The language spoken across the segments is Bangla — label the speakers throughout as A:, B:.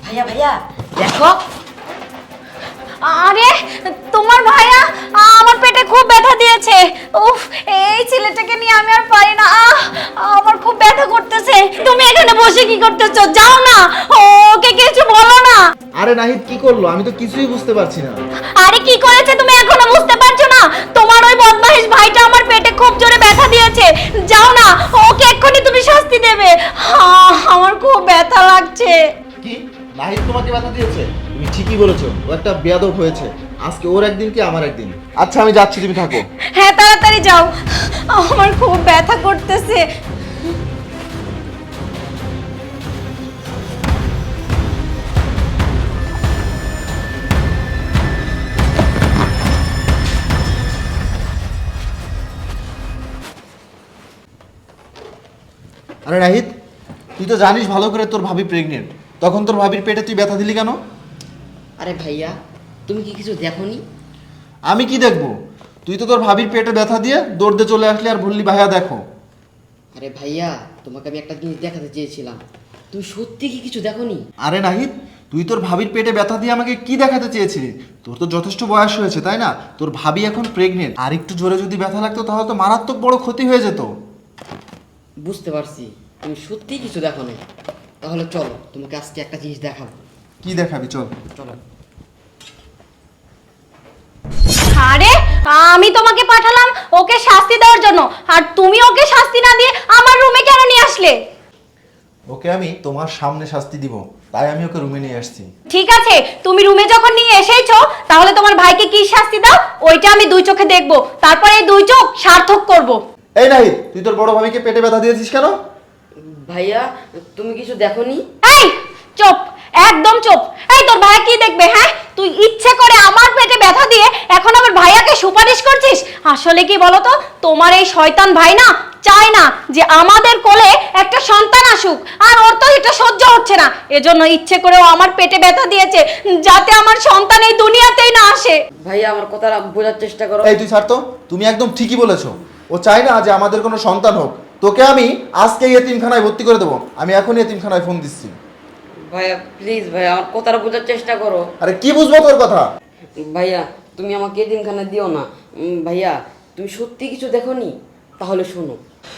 A: ভাইয়া ভাইয়া দেখো।
B: আরে তোমার ভাইয়া আমার পেটে খুব ব্যথা দিয়েছে। উফ, এই ছেলেটাকে নিয়ে আমি আর পারি না। আমার খুব ব্যথা করতেছে। তুমি এখানে বসে কি করতেছো? যাও না, ওকে কিছু বলো না।
C: আরে নাহিদ কি করলো? আমি তো কিছুই বুঝতে পারছি না।
B: আরে কি করেছে তুমি এখনো বুঝতে পারছো না? তোমার ওই বদমাইশ ভাইটা আমার পেটে খুব জোরে ব্যথা দিয়েছে। যাও না, ওকে এক্ষুনি তুমি শাস্তি দেবে। আমার খুব ব্যথা লাগছে।
C: কি নাহিদ তোমাকে ব্যথা দিয়েছে? তুমি ঠিকই বলেছো, ও একটা বেয়াদব হয়েছে। আজকে ওর একদিন কি আমার একদিন। আচ্ছা আমি যাচ্ছি, তুমি থাকো।
B: হ্যাঁ তাড়াতাড়ি যাও, আমার খুব ব্যথা করতেছে।
C: আরে নাহিদ, তুই তো জানিস ভালো করে তোর ভাবি প্রেগনেন্ট, তখন তোর ভাবির পেটে তুই ব্যথা দিলি কেন?
A: আরে ভাইয়া, তুমি কি কিছু দেখোনি?
C: আমি কি দেখবো? তুই তো তোর ভাবির পেটে ব্যথা দিয়ে দৌড়তে চলে আসলি আর বললি ভাইয়া দেখো।
A: আরে ভাইয়া, তোমাকে আমি একটা জিনিস দেখাতে চেয়েছিলাম। তুমি সত্যি কি কিছু দেখোনি?
C: আরে নাহিদ, তুই তোর ভাবির পেটে ব্যথা দিয়ে আমাকে কি দেখাতে চেয়েছিলি? তোর তো যথেষ্ট বয়স হয়েছে তাই না? তোর ভাবি এখন প্রেগনেন্ট, আর একটু জোরে যদি ব্যথা লাগতো তাহলে তো মারাত্মক বড় ক্ষতি হয়ে যেত।
A: বুঝতে পারছি তুমি সত্যি কিছু দেখোনি। তাহলে চলো, তোমাকে আজকে একটা জিনিস দেখাবো।
C: কি দেখাবি? চল।
A: চলো।
B: আরে আমি তোমাকে পাঠালাম ওকে শাস্তি দেওয়ার জন্য, আর তুমি ওকে শাস্তি না দিয়ে আমার রুমে কেন নিয়ে আসলে?
C: ওকে আমি তোমার সামনে শাস্তি দিব, তাই আমি ওকে রুমে নিয়ে আসছি।
B: ঠিক আছে, তুমি রুমে যখন নিয়ে এসেইছো তাহলে তোমার ভাইকে কি শাস্তি দাও ওইটা আমি দুই চোখে দেখবো, তারপর এই দুই চোখ সার্থক করব।
C: এই নাহিদ, তুই তোর বড় ভাবিকে পেটে ব্যথা দিয়েছিস কেন?
A: ভাইয়া, তুমি কিছু দেখোনি?
B: এই চুপ, একদম চুপ। এই তোর ভাই কি দেখবে? হ্যাঁ, তুই ইচ্ছে করে আমার পেটে ব্যথা দিয়ে এখন আমার ভাইয়াকে সুপারিশ করছিস। আসলে কি বলতো, তোমার এই শয়তান ভাই না চায় না যে আমাদের কোলে একটা সন্তান আসুক, আর ওর তো এটা সহ্য হচ্ছে না, এজন্য ইচ্ছে করে ও আমার পেটে ব্যথা দিয়েছে যাতে আমার সন্তান এই দুনিয়াতেই না আসে।
A: ভাইয়া, আমার কথাটা বোঝার চেষ্টা করো।
C: এই তুই ছাড় তো, তুমি একদম ঠিকই বলেছো। ও চায় না যে আমাদের কোনো সন্তান হোক। তোকে আমি আজকেই এতিমখানায় ভর্তি করে দেবো। আমি এখনই এতিমখানায় ফোন দিচ্ছি।
A: ভাইয়া প্লিজ, ভাইয়া আমার কথাটা বোঝার চেষ্টা করো।
C: আরে কি বুঝবো তোর কথা?
A: ভাইয়া, তুমি আমাকে এতিমখানা দিও না। ভাইয়া, তুমি সত্যি কিছু দেখোনি? তাহলে শোনো।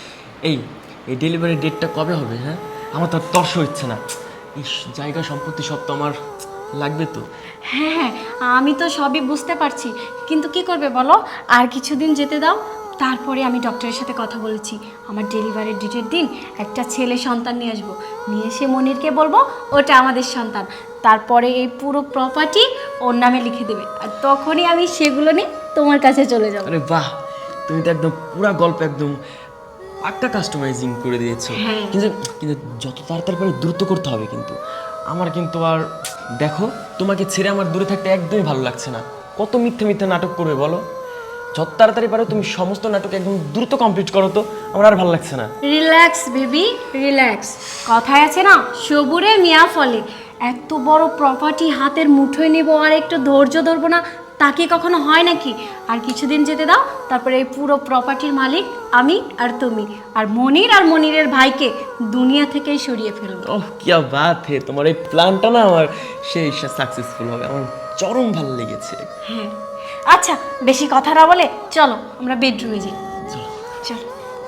D: এই এই ডেলিভারি ডেটটা কবে হবে? হ্যাঁ, আমার তো আর তর্স হচ্ছে না। এই জায়গা সম্পত্তি সব তো আমার লাগবে তো।
B: হ্যাঁ হ্যাঁ, আমি তো সবই বুঝতে পারছি, কিন্তু কি করবে বলো? আর কিছুদিন যেতে দাও, তারপরে আমি ডক্টরের সাথে কথা বলেছি। আমার ডেলিভারি ডেটের দিন একটা ছেলে সন্তান নিয়ে আসবো, নিয়ে এসে মনিরকে বলবো ওটা আমাদের সন্তান। তারপরে এই পুরো প্রপার্টি ওর নামে লিখে দেবে, আর তখনই আমি সেগুলো নিয়ে তোমার কাছে চলে যাবো।
D: আরে বাহ, তুমি তো একদম পুরা গল্প একদম একটা কাস্টমাইজিং করে দিয়েছো।
B: হ্যাঁ।
D: কিন্তু কিন্তু যত তাড়াতাড়ি পারে দ্রুত করতে হবে কিন্তু। আমার কিন্তু আর দেখো, তোমাকে ছেড়ে আমার দূরে থাকতে একদমই ভালো লাগছে না। কত মিথ্যে মিথ্যে নাটক করবে বলো? যত তাড়াতাড়ি পারো তুমি সমস্ত নাটক একদম দ্রুত কমপ্লিট করো তো, আমার আর ভালো লাগছে না।
B: Relax baby, relax. কথায় আছে না, সবুরে মিয়া ফলে। এত বড় প্রপার্টি হাতের মুঠোয় নেব আর একটু ধৈর্য ধরবো না, তা কি কখনো হয় নাকি? আর কিছুদিন যেতে দাও, তারপরে এই পুরো প্রপার্টির মালিক আমি আর তুমি, আর মনির আর মনিরের ভাইকে দুনিয়া থেকেই সরিয়ে ফেলবো।
D: ওহ কিয়া বাত হে, তোমার এই প্ল্যানটা না আমার সেই সাকসেসফুল হবে, আমার চরম ভালো লেগেছে।
B: হ্যাঁ আচ্ছা, বেশি কথা না বলে চলো আমরা বেডরুমে যাই। চলো।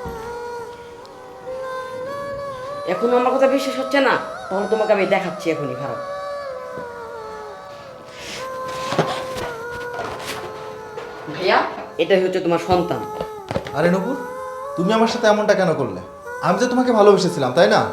A: এখন আমার কথা বিশ্বাস হচ্ছে না? তাহলে তোমাকে আমি দেখাচ্ছি এখনই, খারাপ। ভাইয়া, এটাই হচ্ছে তোমার সন্তান।
C: আরে নূপুর, তুমি আমার সাথে এমনটা কেন করলে? আমি তো তোমাকে ভালোবেসেছিলাম তাই না?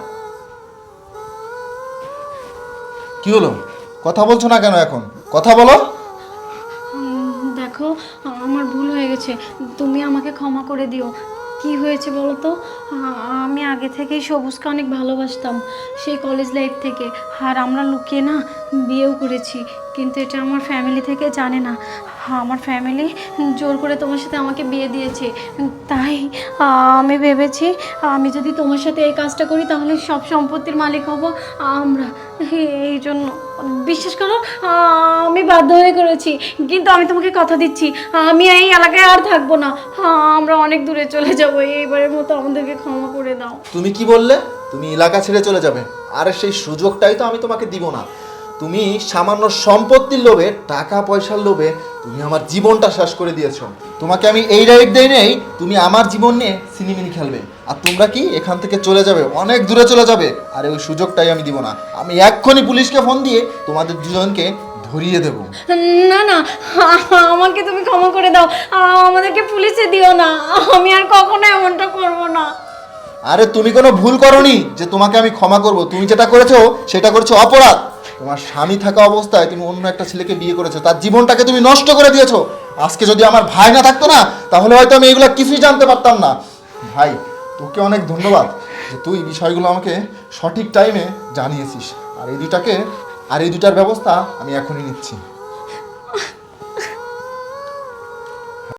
C: কি হলো, কথা বলছো না কেন? এখন কথা বলো।
B: দেখো, আমার ভুল হয়ে গেছে, তুমি আমাকে ক্ষমা করে দিও। কি হয়েছে বলো তো, আমি আগে থেকেই সবুজকে অনেক ভালোবাসতাম, সেই কলেজ লাইফ থেকে। আর আমরা লুকিয়ে না বিয়েও করেছি, কিন্তু এটা আমার ফ্যামিলি থেকে জানে না। আমার ফ্যামিলি জোর করে তোমার সাথে আমাকে বিয়ে দিয়েছে। তাই আমি ভেবেছি আমি যদি তোমার সাথে এই কাজটা করি তাহলে সব সম্পত্তির মালিক হব আমরা। এই জন্য বিশ্বাস করো, আমি বাধ্য হয়ে করেছি, কিন্তু আমি তোমাকে কথা দিচ্ছি আমি এই এলাকায় আর থাকবো না। আমরা অনেক দূরে চলে যাব, এইবারের মতো আমাদেরকে ক্ষমা করে দাও।
C: তুমি কি বললে? তুমি এলাকা ছেড়ে চলে যাবে? আরে সেই সুযোগটাই তো আমি তোমাকে দিব না। তুমি সামান্য সম্পত্তির লোভে, টাকা পয়সার লোভে তুমি আমার জীবনটা শেষ করে দিয়েছো। তোমাকে আমি এই রাইট দেই নেই তুমি আমার জীবন নিয়ে সিনেমিনি খেলবে, আর তোমরা কি এখান থেকে চলে যাবে, অনেক দূরে চলে যাবে। আর ওই সুযোগটাই আমি দিব না। আমি এক্ষুনি পুলিশকে ফোন দিয়ে তোমাদের দুজনকে ধরিয়ে দেবো।
B: না না, আমাকে তুমি ক্ষমা করে দাও, আমাদেরকে পুলিশে দিও না, আমি আর কখনো এমনটা করব না।
C: আরে তুমি কোনো ভুল করনি যে তোমাকে আমি ক্ষমা করব। তুমি যেটা করেছো সেটা করেছো অপরাধ। তোমার স্বামী থাকা অবস্থায় তুমি অন্য একটা ছেলেকে বিয়ে করেছো, তার জীবনটাকে তুমি নষ্ট করে দিয়েছো। আজকে যদি আমার ভাই না থাকতো না, তাহলে হয়তো আমি এগুলো কিছুই জানতে পারতাম না। ভাই, তোকে অনেক ধন্যবাদ যে তুই বিষয়গুলো আমাকে সঠিক টাইমে জানিয়েছিস। আর এই দুটার ব্যবস্থা আমি এখনই নিচ্ছি।